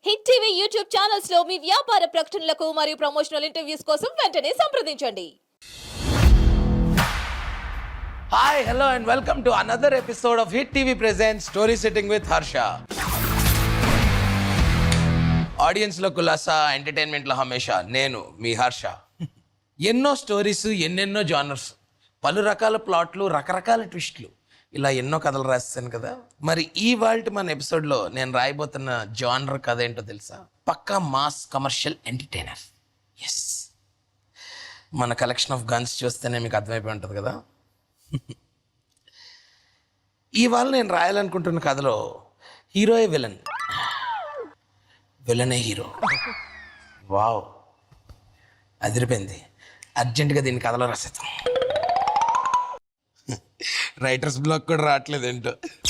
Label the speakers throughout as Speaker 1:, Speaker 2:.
Speaker 1: Hit TV YouTube channels లో మీ వ్యాపార ప్రకటనలకు మరియు ప్రమోషనల్ ఇంటర్వ్యూస్ కోసం వెంటనే సంప్రదించండి.
Speaker 2: Hi, hello and welcome to another episode of Hit TV Presents Story Sitting with Harsha. Audience లో కులాసా, ఎంటర్టైన్మెంట్ లో హమేషా నేను మీ హర్ష. ఎన్నో స్టోరీస్, ఎన్నెన్నో జానర్స్, పలు రకాల ప్లాట్లు, రకరకాల ట్విస్ట్లు, ఇలా ఎన్నో కథలు రాస్తాను కదా. మరి ఈ వాల్ట్ మన ఎపిసోడ్లో నేను రాయబోతున్న జానర్ కథ ఏంటో తెలుసా? పక్కా మాస్ కమర్షియల్ ఎంటర్టైనర్. ఎస్, మన కలెక్షన్ ఆఫ్ గన్స్ చూస్తేనే మీకు అర్థమైపోయి ఉంటుంది కదా. ఇవాళ నేను రాయాలనుకుంటున్న కథలో హీరోయే విలన్, విలనే హీరో. వావ్, అదిరిపోయింది. అర్జెంటుగా దీన్ని కథలో రాసేద్దాం. రైటర్స్ బ్లాక్ కూడా రావట్లేదు ఏంటో.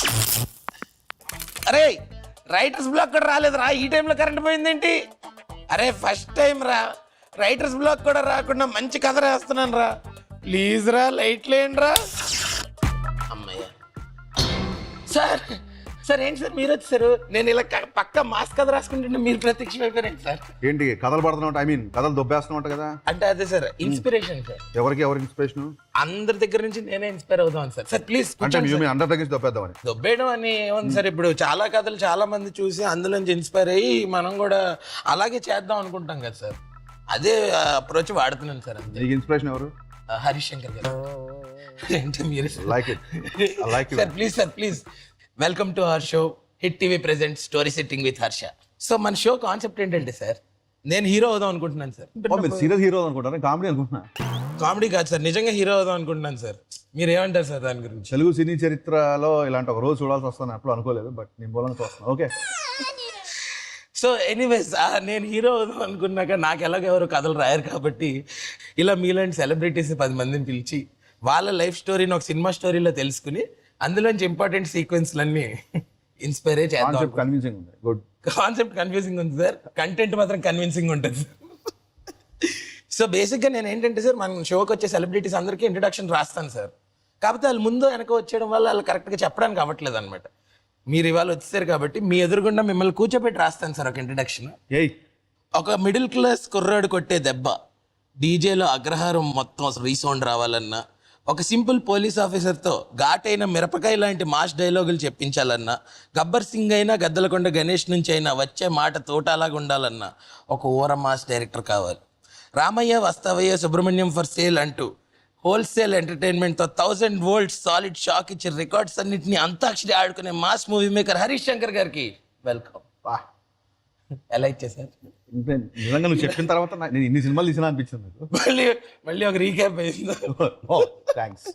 Speaker 2: అరే, రైటర్స్ బ్లాక్ కూడా రాలేదు రా. ఈ టైంలో కరెంట్ పోయిందేంటి? అరే, ఫస్ట్ టైం రా, రైటర్స్ బ్లాక్ కూడా రాకుండా మంచి కథ రాస్తున్నాను రా. ప్లీజ్ రా, లైట్ లేండి రా. అమ్మయ్య. సార్ సార్ ఏంటి సార్ మీరు వచ్చారు? నేను ఇలా పక్క మాస్ కథ రాసుకుంటుంటే మీరు ప్రత్యక్షం అయిపోయారండి సార్.
Speaker 3: ఏంటి కథలు పడుతున్నావు? ఐ మీన్ కథలు దొబ్బేస్తున్నావు కదా.
Speaker 2: అంటే అదే సార్, ఇన్స్పిరేషన్ సార్.
Speaker 3: ఎవరికి ఇన్స్పిరేషన్?
Speaker 2: అందరి దగ్గర నుంచి నేనే ఇన్స్పైర్ అవుతాను సార్. Sir please.
Speaker 3: అంటే అందరి దగ్గర దొబ్బేద్దామని?
Speaker 2: దొబ్బేయడం అని ఏముంది సార్, ఇప్పుడు చాలా కథలు చాలా మంది చూసి అందులోంచి ఇన్స్పైర్ అయ్యి మనం కూడా అలాగే చేద్దాం అనుకుంటాం కదా సార్. అదే అప్రోచ్ వాడుతున్నాను సార్.
Speaker 3: నీకు ఇన్స్పిరేషన్ ఎవరు?
Speaker 2: హరీష్ శంకర్ గారు. ఏంటి మీరు?
Speaker 3: Like it, I like it.
Speaker 2: Sir please, sir please. Welcome to our show hit TV present story sitting with Harsha. So మన షో కాన్సెప్ట్ ఏంటంటే సార్, నేను హీరో అవుదాం అనుకుంటున్నాను సార్.
Speaker 3: మీరు సీరియస్ హీరో అనుకుంటారా? కామెడీ అనుకుంటున్నా?
Speaker 2: కామెడీ కాదు సార్, నిజంగా హీరో అవుదాం అనుకుంటున్నాను సార్. మీరు ఏమంటారు సార్ దాని గురించి?
Speaker 3: తెలుగు సినీ చరిత్రలో ఇలాంటి ఒక రోజు చూడాల్సి వస్తాను అప్పుడు అనుకోలేదు, బట్ నేను బోలని చూస్తున్నాను. ఓకే.
Speaker 2: సో ఎనీవేస్, నేను హీరో అవుదాం అనుకున్నాక నాకు ఎలాగెవరు కథలు రాయరు కాబట్టి ఇలా మీలాంటి సెలబ్రిటీస్ 10 మందిని పిలిచి వాళ్ళ లైఫ్ స్టోరీని ఒక సినిమా స్టోరీలో తెలుసుకుని అందులోంచి ఇంపార్టెంట్ సీక్వెన్స్లన్నీ ఇన్స్పైర్ చేద్దాం.
Speaker 3: కన్విన్సింగ్ ఉంది. గుడ్.
Speaker 2: కాన్సెప్ట్ కన్ఫ్యూజింగ్ ఉంది సార్, కంటెంట్ మాత్రం కన్విన్సింగ్ ఉంటుంది. సో బేసిక్గా నేను ఏంటంటే సార్, మన షోకి వచ్చే సెలబ్రిటీస్ అందరికీ ఇంట్రడక్షన్ రాస్తాను సార్. కాకపోతే వాళ్ళు ముందు వెనక వచ్చేయడం వల్ల వాళ్ళు కరెక్ట్గా చెప్పడానికి అవ్వట్లేదు అనమాట. మీరు ఇవాళ వచ్చేసారు కాబట్టి మీ ఎదురుగుండా మిమ్మల్ని కూర్చోబెట్టి రాస్తాను సార్ ఒక ఇంట్రడక్షన్. ఒక మిడిల్ క్లాస్ కుర్రాడు కొట్టే దెబ్బ, డీజేలో అగ్రహారం మొత్తం రీసౌండ్ రావాలన్నా, ఒక సింపుల్ పోలీస్ ఆఫీసర్తో ఘాటైన మిరపకాయ లాంటి మాస్ డైలాగులు చెప్పించాలన్నా, గబ్బర్ సింగ్ అయినా గద్దలకొండ గణేష్ నుంచి అయినా వచ్చే మాట తోటలాగా ఉండాలన్నా ఒక ఊర మాస్ డైరెక్టర్ కావాలి. రామయ్య వస్తావయ్య సుబ్రహ్మణ్యం ఫర్ సేల్ అంటూ హోల్సేల్ ఎంటర్టైన్మెంట్తో 1000 వోల్ట్స్ సాలిడ్ షాక్ ఇచ్చే రికార్డ్స్ అన్నింటినీ అంతాక్షరి ఆడుకునే mass movie maker Harish Shankar గారికి వెల్కమ్. ఎలా ఇచ్చేసారు?
Speaker 3: నిజంగా నువ్వు చెప్పిన తర్వాత నేను ఇన్ని సినిమాలు తీసినా అనిపించింది.
Speaker 2: మళ్ళీ ఒక రీక్యాప్ అయింది.
Speaker 3: థ్యాంక్స్.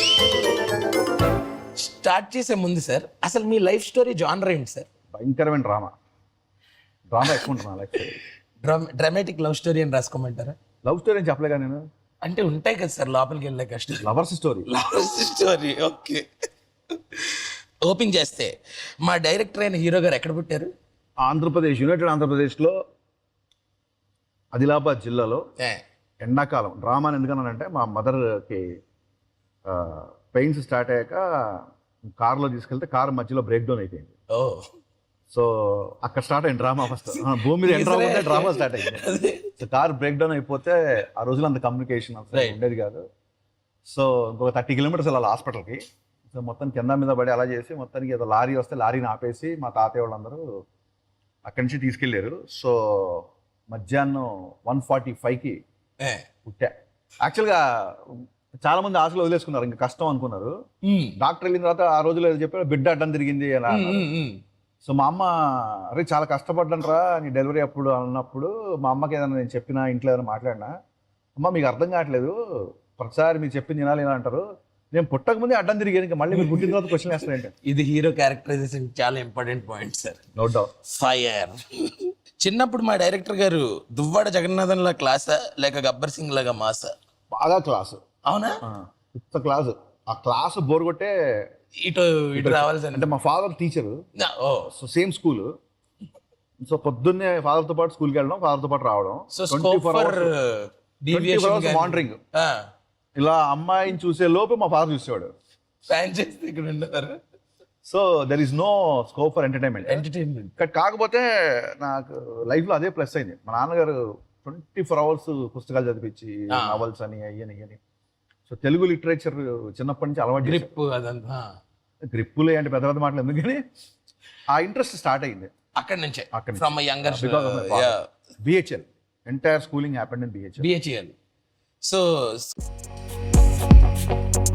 Speaker 2: స్టార్ట్ చేసే ముందు సార్, అసలు మీ లైఫ్ స్టోరీ జానర్ ఏంటి సార్?
Speaker 3: భయంకరమైన డ్రామా ఎక్కువ ఉంటుంది నా life story.
Speaker 2: Dramatic love story అని రాసుకోమంటారా?
Speaker 3: లవ్ స్టోరీ అని చెప్పలేగా నేను.
Speaker 2: అంటే ఉంటాయి కదా సార్ లోపలికి వెళ్ళే కష్టం.
Speaker 3: Lovers story.
Speaker 2: ఓకే. ఓపెన్ చేస్తే మా డైరెక్టర్ అయిన హీరో గారు ఎక్కడ పుట్టారు?
Speaker 3: ఆంధ్రప్రదేశ్, యునైటెడ్ ఆంధ్రప్రదేశ్లో ఆదిలాబాద్ జిల్లాలో. ఎండాకాలం డ్రామా ఎందుకన్నానంటే మా మదర్కి పెయిన్స్ స్టార్ట్ అయ్యాక కార్లో తీసుకెళ్తే కారు మధ్యలో బ్రేక్ డౌన్ అయిపోయింది. సో అక్కడ స్టార్ట్ అయింది డ్రామా. ఫస్ట్ భూమి మీద ఎంటర్ అవుతే డ్రామా స్టార్ట్ అయింది. సో కార్ బ్రేక్ డౌన్ అయిపోతే ఆ రోజులో అంత కమ్యూనికేషన్ ఉండేది కాదు. సో ఇంకొక 30 కిలోమీటర్స్ వెళ్ళాలి హాస్పిటల్కి. సో మొత్తం కింద మీద పడి అలా చేసి మొత్తానికి ఏదో లారీ వస్తే లారీని ఆపేసి మా తాతయ్య వాళ్ళందరూ అక్కడి నుంచి తీసుకెళ్ళారు. సో మధ్యాహ్నం 1:45కి పుట్టా. యాక్చువల్గా చాలా మంది ఆశలు వదిలేసుకున్నారు, ఇంకా కష్టం అనుకున్నారు. డాక్టర్ వెళ్ళిన తర్వాత ఆ రోజులో ఏదో చెప్పారు, బిడ్డ అడ్డం తిరిగింది అలా. సో మా అమ్మ, అరే చాలా కష్టపడ్డానరా నీ డెలివరీ అప్పుడు అన్నప్పుడు, మా అమ్మకి ఏదైనా నేను చెప్పినా, ఇంట్లో ఏదైనా మాట్లాడినా, అమ్మ మీకు అర్థం కావట్లేదు, ప్రతిసారి మీరు చెప్పింది వినాలి ఇలా అంటారు, నేను పుట్టక ముందే అడ్డం తిరిగాను, ఇంకా మళ్ళీ మీరు పుట్టిన తర్వాత క్వశ్చన్ వేస్తారంటే.
Speaker 2: ఇది హీరో క్యారెక్టరైజేషన్ చాలా important point sir.
Speaker 3: No doubt.
Speaker 2: Fire. చిన్నప్పుడు మా డైరెక్టర్ గారు దువ్వాడ జగన్నాథన్ లా క్లాసా లేక గబ్బర్ సింగ్ లాగా మాసా?
Speaker 3: బాగా క్లాసు.
Speaker 2: అవునా?
Speaker 3: ఇంత క్లాసు. ఆ క్లాసు బోర్ కొట్టే
Speaker 2: ఇటు రావాలి సార్.
Speaker 3: అంటే మా father teacher, so same school. So పొద్దున్నే ఫాదర్తో పాటు స్కూల్కి వెళ్ళడం, ఫాదర్తో పాటు రావడం.
Speaker 2: So 24 hours
Speaker 3: monitoring. ఇలా అమ్మాయిని చూసే లోపు మా ఫాదర్ చూసేవాడు.
Speaker 2: ఫ్యాన్ చేస్తే ఇక్కడ ఉండేవారు.
Speaker 3: So there is no scope for entertainment.
Speaker 2: Entertainment.
Speaker 3: కాకపోతే నాకు లైఫ్లో అదే ప్లస్ అయింది. మా నాన్నగారు 24 అవర్స్ పుస్తకాలు చదివించి నావల్స్ అని అయ్యని. సో తెలుగు లిటరేచర్ చిన్నప్పటి నుంచి అలవాటు
Speaker 2: గ్రిప్ అదంతా
Speaker 3: గ్రిప్పులే అంటే పెద్ద పెద్ద మాటలు ఎందుకని ఆ ఇంట్రెస్ట్ స్టార్ట్ అయింది
Speaker 2: అక్కడి నుంచే
Speaker 3: అక్కడి నుంచి.
Speaker 2: From younger
Speaker 3: Because of my father. BHL. Entire schooling happened in BHL.
Speaker 2: BHL. So